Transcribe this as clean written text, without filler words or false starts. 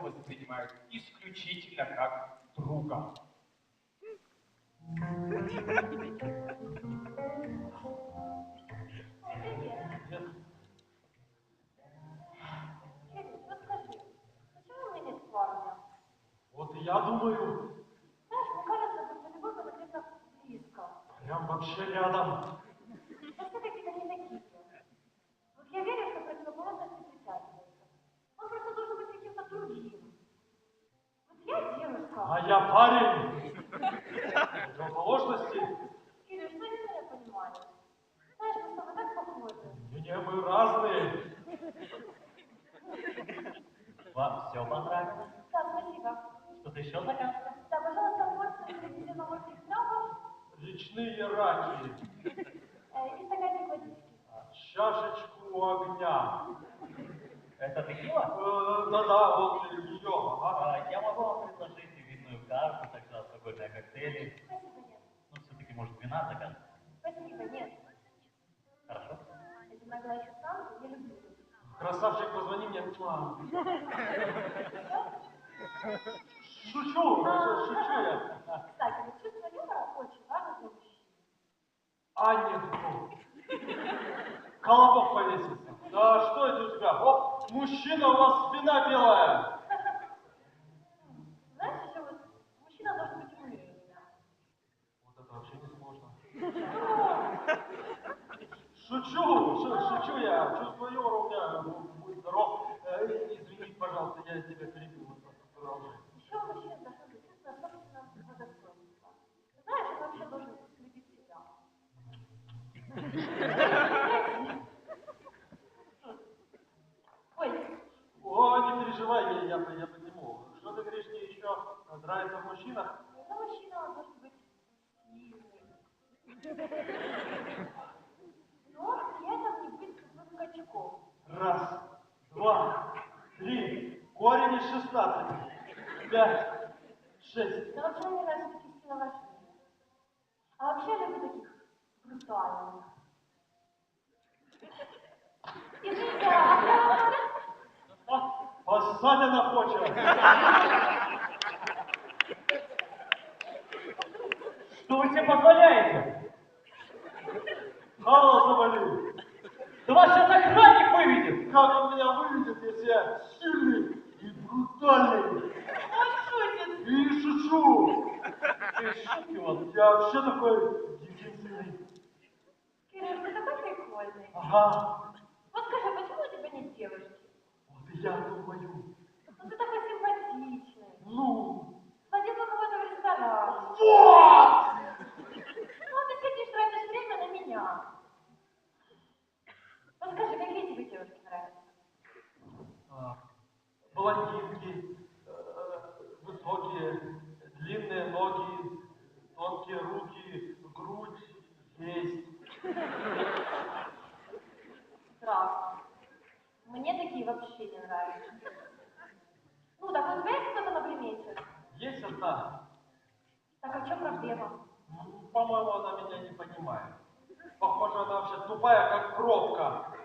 воспринимают исключительно как друга. Вот и я думаю. Знаешь, мне кажется, что любовь это где-то близко. Прям вообще рядом. Но все-таки они такие. Вот я верю, что противоположности притягиваются. Он просто должен быть каким-то другим. Вот я девушка. А я парень. Противоположности. Кирилл, что не меня понимаешь? Знаешь, мы с тобой так похожи. Не, мы разные. Вам все понравилось? Да, спасибо. Что-то еще заказывать? Да, пожалуйста, порцию средиземноморских крабов Речные раки. и стаканчик водички. Чашечку огня. Это текила? Да-да, вот ее. Ага. Я могу вам предложить и винную карту, также алкогольные коктейли. Спасибо, нет. Ну, все-таки, может, вина заказывать? Спасибо, нет. Хорошо. Это нагло еще сам, я люблю. Красавчик, позвони мне. Шучу я. Кстати, вот чувство юмора очень важно для мужчин. Анекдот. Колобок повесился. Да что это у тебя? Вот мужчина у вас спина белая. Знаешь, еще вот мужчина должен быть умнее меня. Вот это вообще не сложно. Шучу я. Чувство юмора у меня, будь здоров. Извини, пожалуйста, я тебя перебил. Продолжай. Еще мужчина должен быть чувство собственного достоинства. Знаешь, он вообще должен любить себя. Ой, О, не переживай, я подниму. Что ты говоришь, мне еще нравится в мужчинах? но мужчина он должен быть сильный. Но при этом не быть тупым качком. Раз, два, три. Корень из 16. 5, 6. Но вообще мне нравятся такие силоважные. А вообще я люблю таких брутальных. Извините, Посадина хочет. Что вы себе позволяете? Хало завалил. Да вас сейчас охранник выведет! Как он меня выведет, если я сильный и брутальный? он шутит. И шучу. Шутки у вас. Я вообще такой единственный. Кирилл, ты такой прикольный. Ага. Вот скажи, почему у тебя нет девушки? Вот и я думаю. Ну ты такой симпатичный. Ну. Сходил бы кого-то в ресторан. Вот! Ну ты сидишь, тратишь время на меня. Вот скажи, какие тебе девушки нравятся? Блондинки, высокие, длинные ноги, тонкие руки, грудь есть. Странно. Мне такие вообще не нравятся. Ну, так вот у тебя есть кто-то на примете? Есть одна. Так а в чем проблема? По-моему, она меня не понимает. Похоже, она вообще тупая, как пробка.